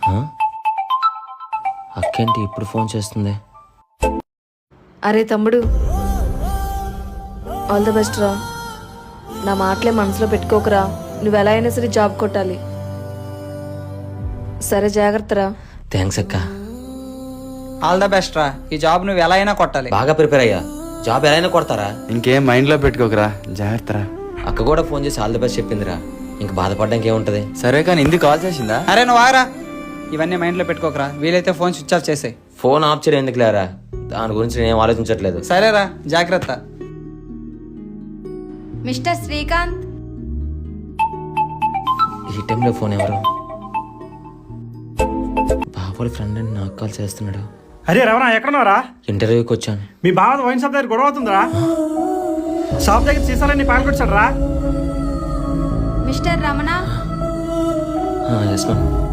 అక్కేంటి ఇప్పుడు ఫోన్ చేస్తుంది? అరే తమ్ముడు, ఆల్ ద బెస్ట్ రా. నా మాటలే మనసులో పెట్టుకోకరా. నువ్వు ఎలా అయినా సరే జాబ్ కొట్టాలి. సరే, జాగ్రత్త రా. థ్యాంక్స్ అక్క. ఆల్ ద బెస్ట్ రా. ఈ జాబ్ నువ్వు ఎలా అయినా కొట్టాలి. బాగా ప్రిపేర్ అయ్యా. జాబ్ ఎలా అయినా కొడతారా? ఇంకేం మైండ్ లో పెట్టుకోకరా, జాగ్రత్త. అక్క కూడా ఫోన్ చేసి ఆల్ ది బెస్ట్ చెప్పిందిరా. ఇంక బాధపడడానికి ఏముంటది? సరే కానీ ఎందుకు కాల్ చేసిందా? అరే నువ్వు ఆగరా. ఇవన్నీ మైండ్లో పెట్టుకోకరా. వీలైతే ఫోన్ స్విచ్ ఆఫ్ చేసే. ఫోన్ ఆఫ్ చేయడం ఎందుకు లేరా? దాని గురించి నేను ఆలోచించట్లేదు. సరేరా, జాగ్రత్త. మిస్టర్ శ్రీకాంత్. ఈ టైంలో ఫోన్ ఎవరు? బాబోళ్ళ ఫ్రెండ్ అని నాకు కాల్ చేస్తున్నాడు. అరే రమణ, ఎక్కడున్నారా? ఇంటర్వ్యూకి వచ్చాను. మీ బావ వైన్ షాప్ దగ్గర గొడవ అవుతుందిరా. షాప్ దగ్గర సీసాలన్నీ పాల్గొచ్చాడు రా. మిస్టర్ రమణ. Yes ma'am.